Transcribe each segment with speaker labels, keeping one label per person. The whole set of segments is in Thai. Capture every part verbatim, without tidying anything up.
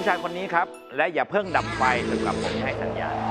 Speaker 1: ชายคนนี้ครับและอย่าเพิ่งดับไฟจนกว่าผมจะให้สัญญาณ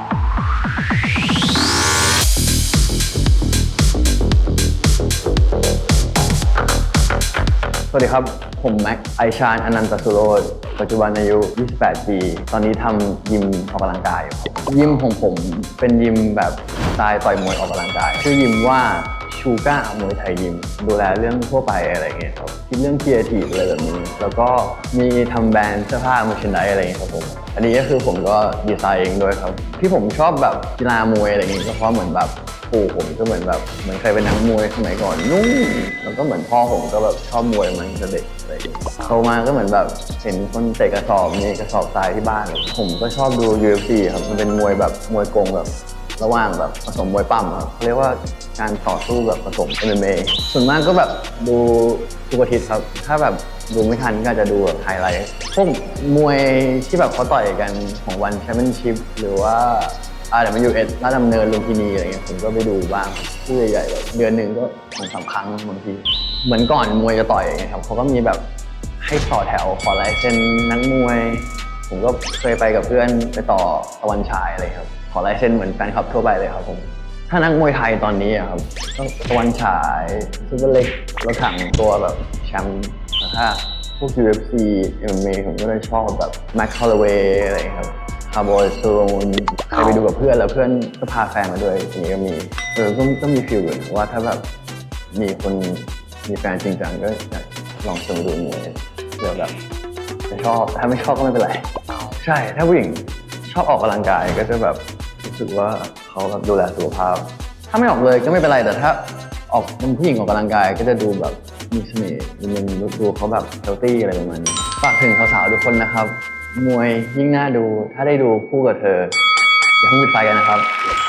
Speaker 2: สวัสดีครับผมแม็กไอชาญอนันตสุโรจน์ปัจจุบันอายุยี่สิบแปดปีตอนนี้ทำยิมออกกำลังกายครับยิมของผมเป็นยิมแบบสไตล์ต่อยมวยออกกำลังกายชื่อยิมว่าชูก้ามวยไทยยิมดูแลเรื่องทั่วไปอะไรเงี้ยครับคิดเรื่องครีเอทีฟอะไรแบบนี้แล้วก็มีทำแบรนด์เสื้อผ้ามือชินไดอะไรเงี้ยครับผมอันนี้ก็คือผมก็ดีไซน์เองด้วยครับที่ผมชอบแบบกีฬามวยอะไรเงี้ยก็เพราะเหมือนแบบปู่ผมก็เหมือนแบบเหมือนเคยเป็นนักมวยสมัยก่อนนุ่มแล้วก็เหมือนพ่อผมก็แบบชอบมวยมันตั้งแต่เด็กอะไรอย่างเงี้ยโตมาก็เหมือนแบบเห็นคนเตะกระสอบมีกระสอบทรายที่บ้านผมก็ชอบดู ยู เอฟ ซี ครับมันเป็นมวยแบบมวยกงแบบระหว่างแบบผสมมวยปั้มครับเรียกว่าการต่อสู้แบบผสม เอ็ม เอ็ม เอ ส่วนมากก็แบบดูทุกอาทิตย์ครับถ้าแบบดูไม่ทันก็จะดูแบบไฮไลท์พวกมวยที่แบบเขาต่อยกันของวันแชมเปี้ยนชิพหรือว่าอาร์ ดับเบิลยู เอส ราชดำเนินลุมพินีอะไรเงี้ยผมก็ไปดูบ้างคู่ใหญ่ๆแบบเดือนหนึ่งก็สองสามครั้งบางทีเหมือนก่อนมวยจะต่อยอย่างเงี้ยครับเขาก็มีแบบให้ต่อแถวขอลายเซ็นนักมวยผมก็เคยไปกับเพื่อนไปต่อตะวันฉายอะไรครับขอลายเซ็นเหมือนแฟนคลับทั่วไปเลยครับผมถ้านักมวยไทยตอนนี้อะครับก็ตะวันฉายซุปเปอร์เล็กรถถังตัวแบบแชมป์แต่ถ้าพวก ยู เอฟ ซี เอ็ม เอ็ม เอ ผมก็เลยชอบแบบแม็กคอลเลเวย์อะไรครับคาร์บอยซูโรนเคยไปดูกับเพื่อนแล้วเพื่อนก็พาแฟนมาด้วยทีนี้ก็มีเออก็ก็มีฟีลอยู่ว่าถ้าแบบมีคนมีแฟนจริงจังก็อยากลองชมดูมวยเผื่อแบบจะชอบถ้าไม่ชอบก็ไม่เป็นไรใช่ถ้าผู้หญิงชอบออกกำลังกายก็จะแบบรู้สึกว่าเขาแบบดูแลสุขภาพถ้าไม่ออกเลยก็ไม่เป็นไรแต่ถ้าออกเป็นผู้หญิงออกกำลังกายก็จะดูแบบมีเสน่ห์มันดูเขาแบบเฮลตี้อะไรประมาณนี้ฝากถึงสาวๆทุกคนนะครับมวยยิ่งน่าดูถ้าได้ดูคู่กับเธออย่าเพิ่งปิดไฟกันนะครับ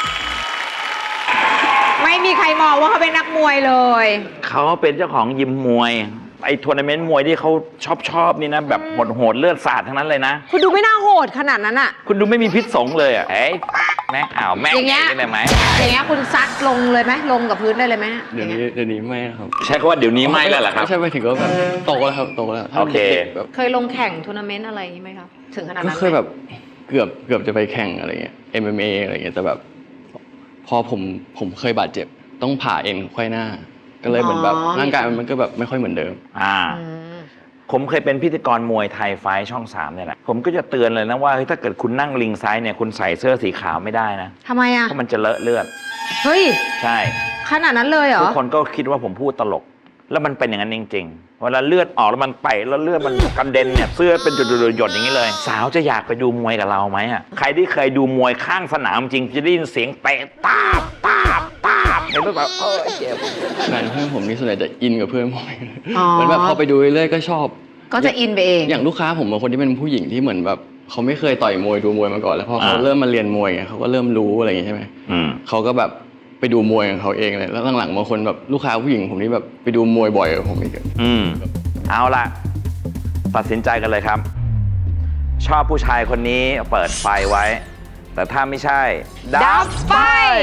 Speaker 3: ไม่มีใครมองว่าเขาเป็นนักมวยเลย
Speaker 1: เขาเป็นเจ้าของยิมมวยไอ้ทัวร์นาเมนต์มวยที่เขาชอบชอบนี่นะแบบโหดโหดเลือดสาดทั้งนั้นเลยนะ
Speaker 3: คุณดูไม่น่าโหดขนาดนั้นอะ
Speaker 1: คุณดูไม่มีพิษสงเลยอ่ะเอ้ยแม่อ้าวแม่อย่างเงี้ยได้ไหม
Speaker 3: อย่างเงี้ยคุณซัดลงเลยไหมลงกับพื้นได้เลยไหม
Speaker 2: เดี๋ยวนี้เดี๋ยวนี้ไม่ครับ
Speaker 1: ใช่คำว่าเดี๋ยวนี้ไม่แล้วเหรอครับ
Speaker 2: ไม่ใช่ไปถึงก็แบบโตแล้วครับโตแล้ว
Speaker 1: โอเค
Speaker 3: เคยลงแข่งทัวร์นาเมนต์อะไรไหมครับถึงขนาดนั้น
Speaker 2: ก็เคยแบบเกือบเกือบจะไปแข่งอะไรเงี้ย เอ็ม เอ็ม เอ อะไรเงี้ยแต่แบบพอผมผมเคยบาดเจ็บต้องผ่าเอ็นไขว้หน้าก็เลยเหมือนแบบร่างกายมันก็แบบไม่ค่อยเหมือนเดิม
Speaker 1: อ่าผมเคยเป็นพิธีกรมวยไทยไฟช่องสามเนี่ยแหละผมก็จะเตือนเลยนะว่าถ้าเกิดคุณนั่งลิงซ้ายเนี่ยคุณใส่เสื้อสีขาวไม่ได้นะ
Speaker 3: ทำไมอ่ะ
Speaker 1: เพราะมันจะเลอะเลือด
Speaker 3: เฮ้ย
Speaker 1: ใช่
Speaker 3: ขนาดนั้นเลยเหรอ
Speaker 1: ทุกคนก็คิดว่าผมพูดตลกแล้วมันเป็นอย่างนั้นจริงๆเวลาเลือดออกแล้วมันไปแล้วเลือดมันกระเด็นเนี่ยเสื้อเป็นหยดๆอย่างนี้เลยสาวจะอยากไปดูมวยกับเราไหมอ่ะใครที่เคยดูมวยข้างสนามจริงจะได้ยินเสียงเตะตาบตาบตาบเห็นแบบเออเจ็บ
Speaker 2: แฟนเพื่อนผมนี่ส่วนใหญ่จะอินกับเพื่อนผมเหมือนแบบพอไปดูเรื่อยๆก็ชอบ
Speaker 3: ก็จะอินไปเอง
Speaker 2: อย่างลูกค้าผมบางคนที่เป็นผู้หญิงที่เหมือนแบบเขาไม่เคยต่อยมวยดูมวยมาก่อนแล้วพอเขาเริ่มมาเรียนมวยเขาก็เริ่มรู้อะไรอย่างงี้ใช่ไหมเขาก็แบบไปดูมวยของเขาเองเลยแล้วหลังๆบางคนแบบลูกค้าผู้หญิงผมนี่แบบไปดูมวยบ่อยกว่าผมอีก
Speaker 1: อืมเอาล่ะตัดสินใจกันเลยครับชอบผู้ชายคนนี้เปิดไฟไว้แต่ถ้าไม่ใช่ดับไฟ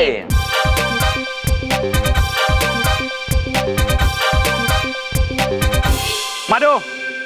Speaker 1: มาดู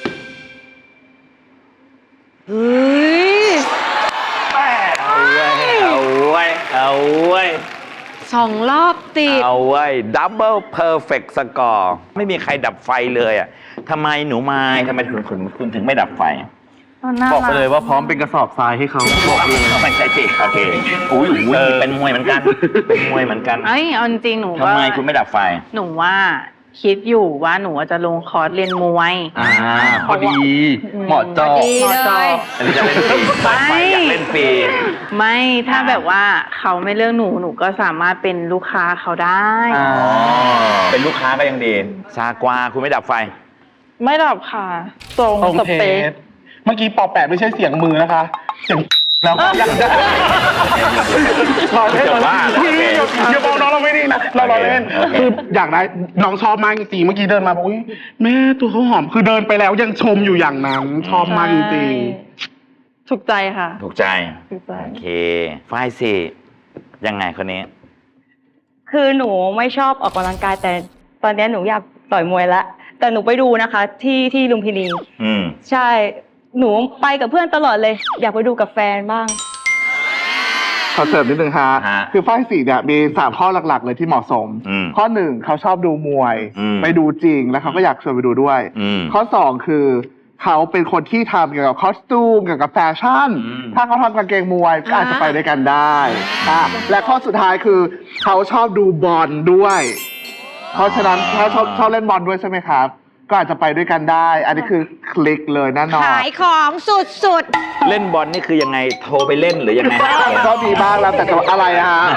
Speaker 3: เฮ้ย
Speaker 1: เอาไว้เอาไว้เอาไว้
Speaker 3: สองรอบติด
Speaker 1: เอาไว้ดับเบิลเพอร์เฟกต์สกอร์ไม่มีใครดับไฟเลยอ่ะทำไมหนูไม้ทำไมคุณคุณคุณถึงไม่ดับไฟ
Speaker 2: บอกไปเลยว่าพร้อมเป็นกระสอบทรายให้เขา
Speaker 1: บอกเลยไม่ใช่สิโอเคอุ้ยอุ้ยเป็นมวยเหมือนกันเป็นมวยเหมือนกัน
Speaker 4: เอ้ยเอาจริงหนู
Speaker 1: ทำไมคุณไม่ดับไฟ
Speaker 4: หนูว่าคิดอยู่ว่าหนูจะลงคอร์สเรียนมวย
Speaker 2: อ่าพอดีเหมาะจอ
Speaker 3: เหมาะจอ
Speaker 1: อันนี้จะเล่นฟรีไม่อยากเล่นฟรี
Speaker 4: ไม่ถ้าแบบว่าเขาไม่เลือกหนูหนูก็สามารถเป็นลูกค้าเขาได้
Speaker 1: เป็นลูกค้าก็ยังดีซากวาคุณไม่ดับไฟ
Speaker 4: ไม่ดับค่ะตรงสเปค
Speaker 5: เมื่อกี้ปอแปดไม่ใช่เสียงมือนะคะเสียงแล้วยังได้รอเล่นรอเล่นพี่อย่าบอกน้องเราไม่ดีนะเรารอเล่นคืออยากได้น้องชอบมากจริงเมื่อกี้เดินมาบอกอุ้ยแม่ตัวเขาหอมคือเดินไปแล้วยังชมอยู่อย่างนั้นชอบมากจริง
Speaker 4: ถูกใจค่ะ
Speaker 1: ถูกใจถูกใจโอเคไฟสิยังไงคนนี้
Speaker 6: คือหนูไม่ชอบออกกำลังกายแต่ตอนนี้หนูอยากต่อยมวยแล้วแต่หนูไปดูนะคะที่ที่ลุมพินีใช่หนูไปกับเพื่อนตลอดเลย อยากไปดูกับแฟนบ้าง
Speaker 5: ขอเสริมนิดนึงฮะ
Speaker 1: ฮะ
Speaker 5: คือฝ้ายสีเนี่ยมีสามข้อหลักๆ เลยที่เหมาะสม
Speaker 1: อืม
Speaker 5: ข้อหนึ่งเขาชอบดูมวย
Speaker 1: อืม
Speaker 5: ไปดูจริงแล้วเขาก็อยากชวนไปดูด้วย
Speaker 1: อืม
Speaker 5: ข้อสองคือเขาเป็นคนที่ทำเกี่ยวกับคอสตูมเกี่ยวกับแฟชั่น
Speaker 1: อืม
Speaker 5: ถ้าเขาทำกางเกงมวยก็อาจจะไปด้วยกันได้อ่ะและข้อสุดท้ายคือเขาชอบดูบอลด้วย เพราะฉะนั้นถ้าชอบชอบเล่นบอลด้วยใช่ไหมครับ ก็อาจจะไปด้วยกันได้ อันนี้คือคลิกเลยแน่นอน
Speaker 3: ขายของสุด
Speaker 1: เล่นบอลนี่คือยังไงโทรไปเล่นหรือยังไง
Speaker 5: ก็มีบ้างแล้วแต่จะอะไรอะฮะ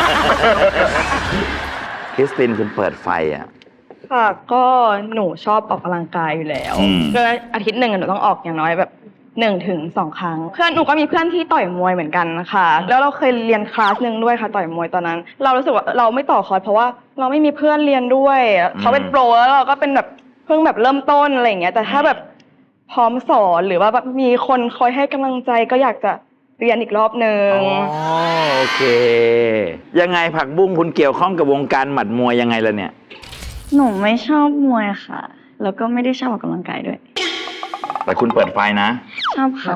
Speaker 1: คริสตินคุณเปิดไฟอ่ะ
Speaker 6: ค่ะก็หนูชอบออกกำลังกายอยู่แล้ว
Speaker 1: อืม
Speaker 6: ก็อาทิตย์หนึ่งอะหนูต้องออกอย่างน้อยแบบหนึ่งถึงสองครั้ง เพื่อนหนูก็มีเพื่อนที่ต่อยมวยเหมือนกันนะคะแล้วเราเคยเรียนคลาสหนึ่งด้วยค่ะต่อยมวยตอนนั้น เรารู้สึกว่าเราไม่ต่อคอร์สเพราะว่าเราไม่มีเพื่อนเรียนด้วยเขาเป็นโปรแล้วเราก็เป็นแบบเพิ่งแบบเริ่มต้นอะไรอย่างเงี้ยแต่ถ้าแบบพร้อมสอนหรือว่าแบบมีคนคอยให้กำลังใจก็อยากจะเรียนอีกรอบหนึ่ง
Speaker 1: อ๋อโอเค ยังไงผักบุ้งคุณเกี่ยวข้องกับวงการหมัดมวยยังไงล่ะเนี่ย
Speaker 6: หนูไม่ชอบมวยค่ะ แล้วก็ไม่ได้ชอบออกกำลังกายด้วย
Speaker 1: แต่คุณเปิดไฟนะ
Speaker 6: ชอบเขา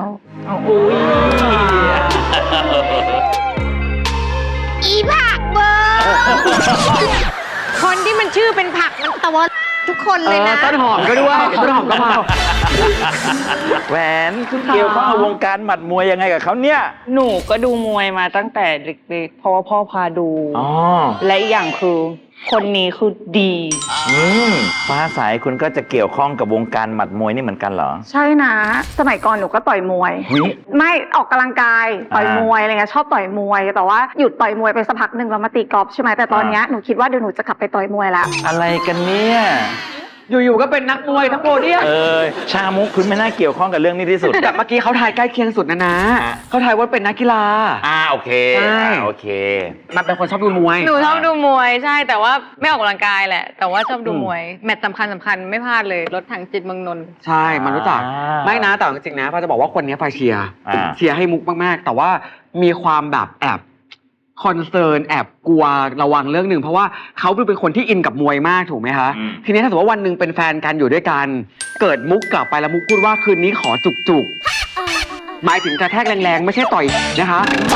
Speaker 3: ๆ อีผักเบอร์ คนที่มันชื่อเป็นผักมันตะวันทุกคนเลยนะ
Speaker 2: ต้นหอมก็ด้วย ต้นหอมก็มา
Speaker 1: แหวนคุณเกี่ยวข้องกับวงการหมัดมวยยังไงกับเขาเนี่ย
Speaker 4: หนูก็ดูมวยมาตั้งแต่เด็กๆเพราะว่าพ่อพาดู
Speaker 1: อ๋อ
Speaker 4: และอีกอย่างคือคนนี้คือดี
Speaker 1: อืมฟ้าใสคุณก็จะเกี่ยวข้องกับวงการหมัดมวยนี่เหมือนกันเหรอ
Speaker 7: ใช่นะ สมัยก่อนหนูก็ต่อยมวย
Speaker 1: วิ
Speaker 7: ไม่ออกกำลังกายต่อย
Speaker 1: อ่าม
Speaker 7: มวยอะไรเงี้ยชอบต่อยมวย แต่ว่าหยุดต่อยมวยไปสักพักหนึ่งแล้วมาตีกอล์ฟใช่ไหมแต่ตอนเนี้ยหนูคิดว่าเดี๋ยวหนูจะกลับไปต่อยมวยละ
Speaker 1: อะไรกันเนี่ย
Speaker 2: อยู่ๆก็เป็นนักมวยทั้งโปรเนี่ย
Speaker 1: เออชามุกคุณไม่น่าเกี่ยวข้องกับเรื่องนี้ที่สุด
Speaker 2: แต่เมื่อกี้เขาทายใกล้เคียงสุดนะนะ
Speaker 1: อ่ะ
Speaker 2: เขาทายว่าเป็นนักกีฬา
Speaker 1: อ่าโอเค
Speaker 2: ใช่
Speaker 1: อ่าโอเค
Speaker 2: มันเป็นคนชอบดูมวย
Speaker 8: หนูชอบดูมวยใช่แต่ว่าไม่ออกกำลังกายแหละ แต่ว่าชอบดูมวย แมตช์สำคัญสำคัญไม่พลาดเลยรถถังจิตเมืองนนท์
Speaker 2: ใช่ มันรู้จัก
Speaker 1: อ่า
Speaker 2: ไม่นะแต่จริงๆนะพาจะบอกว่าคนนี้พาเชียร์
Speaker 1: อ่า
Speaker 2: เชียร์ให้มุกมากๆ แต่ว่ามีความแบบแอบคอนเซิร์นแอบกลัวระวังเรื่องหนึ่งเพราะว่าเขาดูเป็นคนที่อินกับมวยมากถูกไหมคะ
Speaker 1: อืม
Speaker 2: ทีนี้ถ้าสมมติว่าวันหนึ่งเป็นแฟนกันอยู่ด้วยกัน เกิดมุกกลับไปแล้วมุกพูดว่าคืนนี้ขอจุกจุกๆหมายถึงกระแทกแรงๆ ไม่ใช่ต่อยนะคะ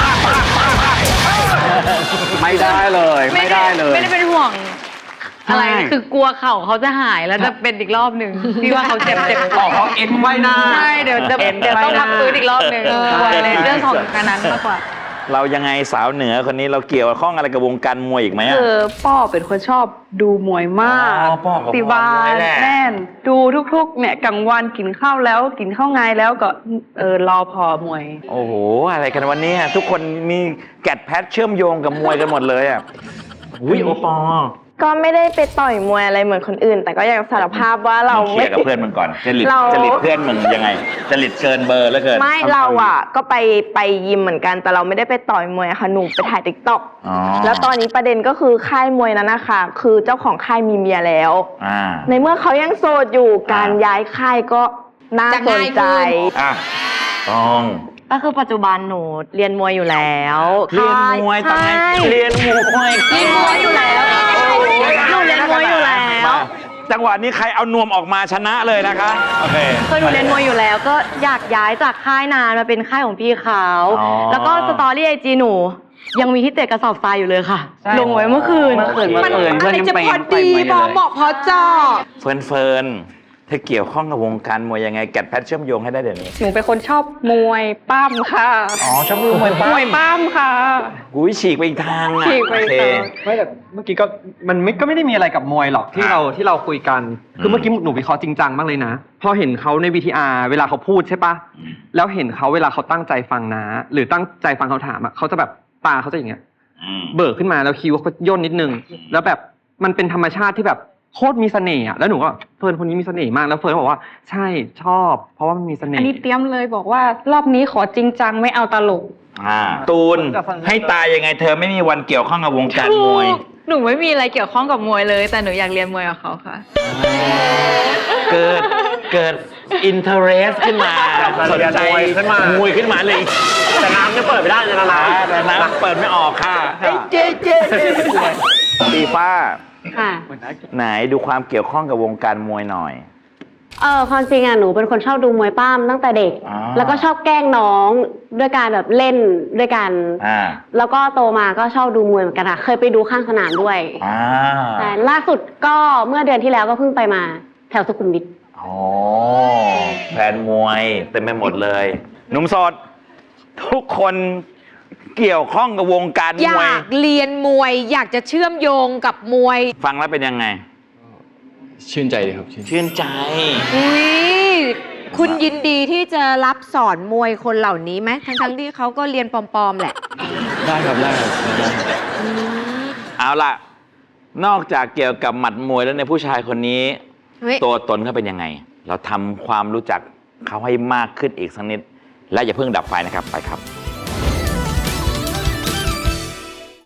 Speaker 2: ไม่ได้เลย ไม่ได้เลย
Speaker 8: ไม่ได้เป็นห่วง
Speaker 2: ใช่
Speaker 8: อะไรคือกลัวเข่าเขาจะหายแล้วจะเป็นอีกรอบหนึ่งพี่ว่าเขาเจ็บเจ็บ
Speaker 2: บอกเขาเอ็นไม่น่า
Speaker 8: ใช่เดี๋ยวจะ
Speaker 2: เอ็น
Speaker 8: เดี๋ยวต้อง
Speaker 2: ไม่น่า
Speaker 8: พักฟื้นอีกรอบหนึ่ง
Speaker 3: เออ
Speaker 8: กลัวเลยเรื่องของการนั้นมากกว่า
Speaker 1: เรายังไงสาวเหนือคนนี้เราเกี่ยวข้องอะไรกับวงการมวยอีกไหมอะ
Speaker 4: คือป้อเป็นคนชอบดูมวยมาก
Speaker 1: อ๋อป้อกับ
Speaker 4: ติบา
Speaker 1: พ่อ
Speaker 4: ล
Speaker 1: ด้วยแหละ
Speaker 4: แน่น ดูทุกๆเนี่ยกลางวันกินข้าวแล้วกินข้าวไงแล้วก็เออรอพอมวย
Speaker 1: โอ้โห อะไรกันวันนี้ทุกคนมีแกดแพทเชื่อมโยงกับมวยกันหมดเลยอ่ะอุ้ยโอปอ
Speaker 9: ก็ไม่ได้ไปต่อยมวยอะไรเหมือนคนอื่น แต่ก็อยากสารภาพว่าเรา
Speaker 1: เคลี
Speaker 9: ไม่
Speaker 1: ยร์กับเพื่อนมึงก่อนจริต
Speaker 9: เรา
Speaker 1: จริตเพื่อนมึงยังไงจริตเกินเบอร์แล้วเกิน
Speaker 9: ไม่เราอ่ะ ก็ไปไปยิมเหมือนกันแต่เราไม่ได้ไปต่อยมวยค่ะหนูไปถ่ายติ๊กต็อก
Speaker 1: อ๋อ
Speaker 9: แล้วตอนนี้ประเด็นก็คือค่ายมวยนั้นนะคะคือเจ้าของค่ายมีเมียแล้ว
Speaker 1: อ่า
Speaker 9: ในเมื่อเขายังโสดอยู่การย้ายค่ายก็น่า
Speaker 3: จะ
Speaker 9: สน
Speaker 3: ง่าย
Speaker 9: ใจ
Speaker 3: ขึ้น
Speaker 1: อ่ะต้อง
Speaker 6: ก็คือปัจจุบันหนูเรียนมวยอยู่แล้ว
Speaker 1: เรียนมวยตอนไหน
Speaker 9: ใช่
Speaker 1: เรียนมวย
Speaker 3: เรียนมวยอยู่แล้ว
Speaker 6: หนูเรียนมวยอยู่แล้ว
Speaker 1: มาจังหวะนี้ใครเอานวมออกมาชนะเลยนะคะโอเค
Speaker 6: คือหนูเรียนมวยอยู่แล้วก็อยากย้ายจากค่ายนานมาเป็นค่ายของพี่เขา
Speaker 1: อ๋อ
Speaker 6: แล้วก็สตอรี่ไอจีหนู ยังมีที่เตะกระสอบทรายอยู่เลยค่ะ ลงไว้เมื่อคืน
Speaker 2: เมื่อคืน
Speaker 3: มัน
Speaker 2: เมื่อคืน
Speaker 3: อะ
Speaker 2: เพื่อน
Speaker 3: ไร
Speaker 2: ยัง
Speaker 3: จะ
Speaker 2: ไป
Speaker 3: พอดี
Speaker 2: ไป
Speaker 3: พอ
Speaker 2: เลย
Speaker 3: เหมาะพอเจาะ
Speaker 1: เฟิร์นเฟิร์นเธอเกี่ยวข้องกับวงการมวยยังไงแกดแพทเชื่อมโยงให้ได้เดี๋ยวนี้
Speaker 4: หนูเป็นคนชอบมวยปั้มค่ะ
Speaker 1: อ๋อชอบดูมวยปั้ม
Speaker 4: มวยปั้มค่ะ
Speaker 1: กูฉีกไปอีกทางอ่ะ
Speaker 4: ฉีกไปอีก
Speaker 1: โอเค
Speaker 4: ทาง
Speaker 10: ไม่แต่เมื่อกี้ก็มันไม่ก็ไม่ได้มีอะไรกับมวยหรอกที่
Speaker 1: อ่ะ
Speaker 10: เราที่เราคุยกัน คือ
Speaker 1: ม
Speaker 10: เมื่อกี้หนูวิเคราะห์จริงจังมากเลยนะ พอเห็นเขาใน วี ที อาร์ เวลาเขาพูดใช่ปะ
Speaker 1: อืม
Speaker 10: แล้วเห็นเขาเวลาเขาตั้งใจฟังนะ หรือตั้งใจฟังเขาถามอะเขาจะแบบตาเขาจะอย่างเงี้ย
Speaker 1: อืม
Speaker 10: เบิกขึ้นมาแล้วคิ้วเขาย่นนิดนึง แล้วแบบมันเป็นธรรมชาติที่แบบโคตรมีเสน่ห์อะแล้วหนูก็เฟิร์นคนนี้มีเสน่ห์มากแล้วเฟิร์นบอกว่าใช่ชอบ เพราะว่ามันมีเสน่
Speaker 4: อัน
Speaker 10: ห์
Speaker 4: นี้เตรียมเลยบอกว่ารอบนี้ขอจริงจังไม่เอาตลก
Speaker 1: อ่าตูนให้ตายยังไงเธอไม่มีวันเกี่ยวข้องกับวงการมวย
Speaker 8: หนูไม่มีอะไรเกี่ยวข้องกับมวยเลย แต่หนูอยากเรียนมวยกับเขาค่ะ
Speaker 1: เกิดเกิดอินเทอร์เรสขึ้นมาสนใจ
Speaker 10: มวยขึ้นมาม
Speaker 1: วยขึ้นมาเลย
Speaker 10: แต่น้ำจะเปิดไม่ได้นะน้ำ
Speaker 1: แต่น้ำเปิดไม่ออกค่ะเจ๊เจ๊ตีฟ้า
Speaker 6: ค่ะ
Speaker 1: ไหนดูความเกี่ยวข้องกับวงการมวยหน่อย
Speaker 11: เออความจริงอ่ะหนูเป็นคนชอบดูมวยปล้ำตั้งแต่เด็ก
Speaker 1: อ๋อ
Speaker 11: แล้วก็ชอบแกล้งน้องด้วยการแบบเล่นด้วยกัน
Speaker 1: อ่า
Speaker 11: แล้วก็โตมาก็ชอบดูมวยเหมือนกันค่ะเคยไปดูข้างสนามด้วย
Speaker 1: อ่า
Speaker 11: ใช่ล่าสุดก็เมื่อเดือนที่แล้วก็เพิ่งไปมาแถวสุขุมวิท
Speaker 1: อ๋อแฟนมวยเต็มไปหมดเลยหนุ่มโสดทุกคนเกี่ยวข้องกับวงการ
Speaker 3: อ
Speaker 1: มวย
Speaker 3: ยากเรียนมวย อยากจะเชื่อมโยงกับมวย
Speaker 1: ฟังแล้วเป็นยังไง
Speaker 2: ชื่นใจดีครับชื่น
Speaker 1: ชื่นใจ
Speaker 3: อุ้ยคุณยินดีที่จะรับสอนมวยคนเหล่านี้ไหมทั้งทั้งๆที่เขาก็เรียนปลอมๆแหละ
Speaker 2: ได้ครับได้ครับ
Speaker 1: เอาล่ะ นอกจากเกี่ยวกับหมัดมวยแล้วในยผู้ชายคนนี้
Speaker 3: เฮ้ย
Speaker 1: ตัวตนเขาเป็นยังไง เราทำความรู้จักเขาให้มากขึ้นอีกสักนิด และอย่าเพิ่งดับไฟนะครับ ไปครับ